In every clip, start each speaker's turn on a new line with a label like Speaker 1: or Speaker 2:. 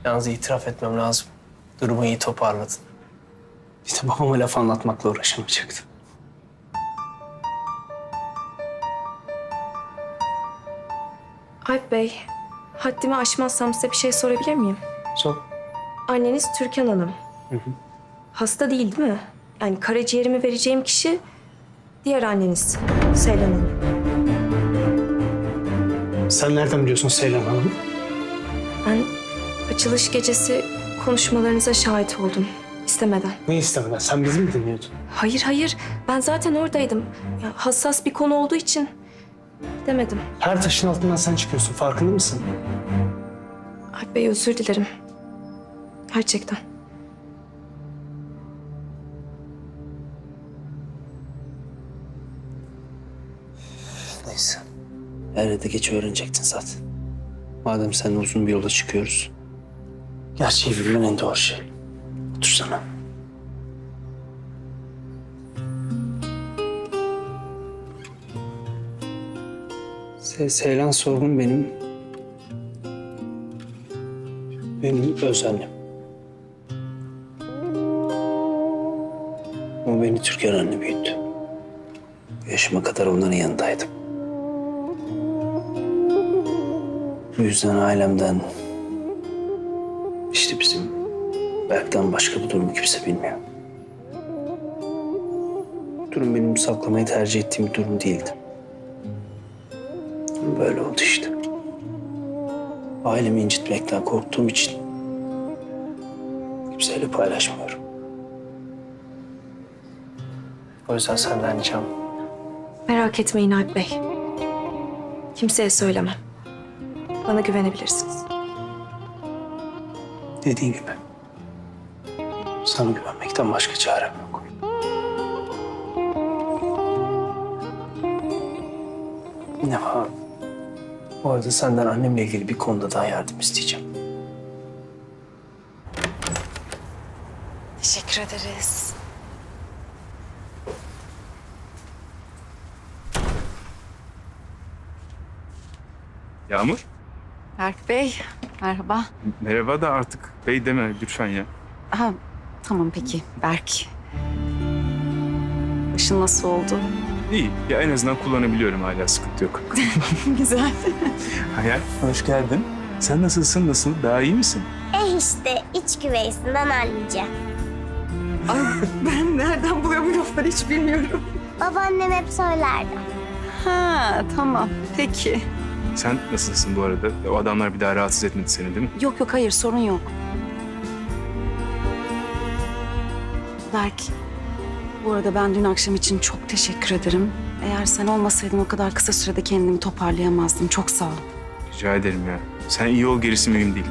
Speaker 1: Yalnız itiraf etmem lazım. Durumu iyi toparladın. İşte babama laf anlatmakla uğraşamayacaktım.
Speaker 2: Alp Bey, haddimi aşmazsam size bir şey sorabilir miyim?
Speaker 1: Sor.
Speaker 2: Anneniz Türkan Hanım. Hasta değil mi? Yani karaciğerimi vereceğim kişi diğer anneniz Seylan Hanım.
Speaker 1: Sen nereden biliyorsun Seylan Hanım?
Speaker 2: Ben açılış gecesi konuşmalarınıza şahit oldum istemeden.
Speaker 1: Ne istemeden? Sen bizi mi dinliyordun?
Speaker 2: Hayır. Ben zaten oradaydım. Ya, hassas bir konu olduğu için demedim.
Speaker 1: Her taşın altından sen çıkıyorsun. Farkında mısın?
Speaker 2: Alp Bey özür dilerim. Gerçekten.
Speaker 1: Neyse. Er ya da geç öğrenecektin zaten. Madem seninle uzun bir yola çıkıyoruz. Gerçeği bilmen en doğru şey. Otursana. Seylan Sorgun benim öz annem. O beni Türkan anne büyüttü. Yaşıma kadar onların yanındaydım. Bu yüzden ailemden, işte bizim Berk'ten başka bu durumu kimse bilmiyor. Bu durum benim saklamayı tercih ettiğim bir durum değildi. Böyle oldu işte. Ailemi incitmekten korktuğum için kimseyle paylaşmıyorum. O yüzden senden ricam.
Speaker 2: Merak etmeyin Alp Bey. Kimseye söylemem. Bana güvenebilirsiniz.
Speaker 1: Dediğin gibi. Sana güvenmekten başka çarem yok. Ne var? Bu arada senden annemle ilgili bir konuda daha yardım isteyeceğim.
Speaker 2: Teşekkür ederiz.
Speaker 3: Yağmur,
Speaker 4: Berk Bey, merhaba.
Speaker 3: merhaba da artık bey deme lütfen ya.
Speaker 4: Ha, tamam peki, Berk. Başın nasıl oldu?
Speaker 3: İyi, ya en azından kullanabiliyorum hala, sıkıntı yok.
Speaker 4: Güzel.
Speaker 3: Hayal, hoş geldin. Sen nasılsın, nasıl? Daha iyi misin?
Speaker 5: İşte iç güveysinden anlayacağım.
Speaker 4: Ay, ben nereden buluyorum bu lafları hiç bilmiyorum.
Speaker 5: Babaannem hep söylerdi.
Speaker 4: Ha, tamam, peki.
Speaker 3: Sen nasılsın bu arada? O adamlar bir daha rahatsız etmedi seni değil mi?
Speaker 4: Yok, hayır, sorun yok. Berk, bu arada ben dün akşam için çok teşekkür ederim. Eğer sen olmasaydın o kadar kısa sürede kendimi toparlayamazdım. Çok sağ ol.
Speaker 3: Rica ederim ya. Sen iyi ol, gerisi mühim değil.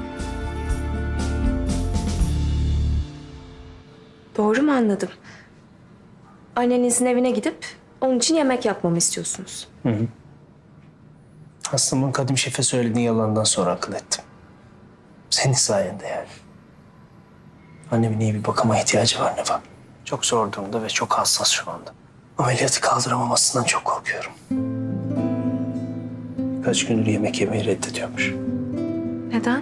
Speaker 2: Doğru mu anladım? Annenizin evine gidip onun için yemek yapmamı istiyorsunuz.
Speaker 1: Hastamın kadim şefe söylediğin yalandan sonra akıl ettim. Senin sayende yani. Annemin iyi bir bakıma ihtiyacı var Neva. Çok zor durumda ve çok hassas şu anda. Ameliyatı kaldıramamasından çok korkuyorum. Birkaç gündür yemek yemeyi reddediyormuş.
Speaker 2: Neden?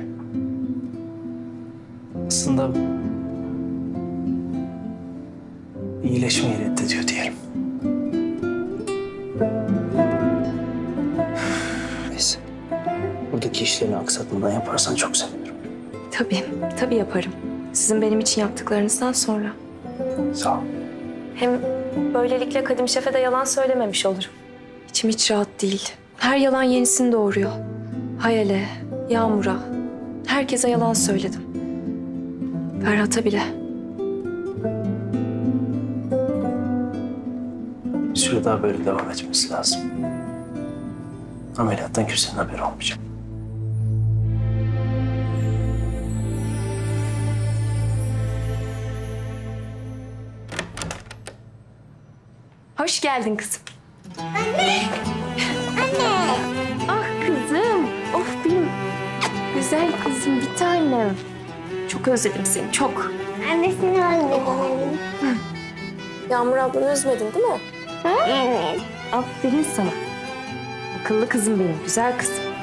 Speaker 1: Aslında iyileşmeyi reddediyor diyelim. Neyse. Buradaki işlerini aksatmadan yaparsan çok sevinirim.
Speaker 2: Tabii yaparım. Sizin benim için yaptıklarınızdan sonra.
Speaker 1: Sağ ol.
Speaker 2: Hem böylelikle Kadim Şef'e de yalan söylememiş olurum. İçim hiç rahat değil. Her yalan yenisini doğuruyor. Hayal'e, Yağmur'a, herkese yalan söyledim. Ferhat'a bile.
Speaker 1: Bir süre daha böyle devam etmesi lazım. Ameliyattan kimsenin haberi olmayacak.
Speaker 2: Hoş geldin kızım. Anne! Ah kızım. Of benim güzel kızım, bir tanem. Çok özledim seni, çok.
Speaker 5: Annesini özledim.
Speaker 2: Yağmur ablanı üzmedin değil mi?
Speaker 5: Evet.
Speaker 2: Aferin sana. Akıllı kızım benim, güzel kızım.